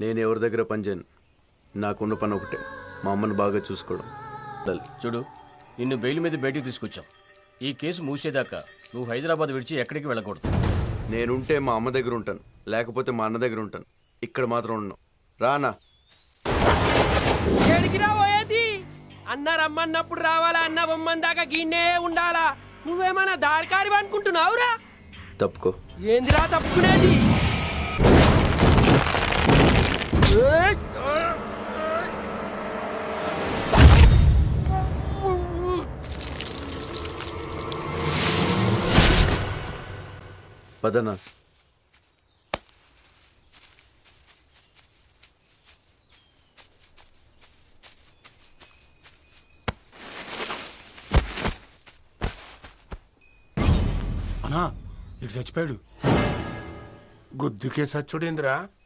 నేను ఎవరి దగ్గర పనిచేయను. నాకున్న పని ఒకటే, మా అమ్మని బాగా చూసుకోవడం. చూడు, నిన్ను బెయిల్ మీద బయటికి తీసుకొచ్చాం. ఈ కేసు మూసేదాకా నువ్వు హైదరాబాద్ విడిచి ఎక్కడికి వెళ్ళకూడదు. నేనుంటే మా అమ్మ దగ్గర ఉంటాను, లేకపోతే మా అన్న దగ్గర ఉంటాను. ఇక్కడ మాత్రం ఉన్నాను. రానా? ఎడికిరా పోయేది? అన్న రమ్మన్నప్పుడు రావాలా, అన్న బొమ్మన్ దాకా గిన్నే ఉండాలా? నువ్వేమన్నా దారికారి అనుకుంటున్నావురా? తప్పుకో. ఏందిరా తప్పుకునేది? పదనా. అన్నా ఇటు చచ్చిపోయాడు. గుద్దుకే సచ్చుడేంద్రా?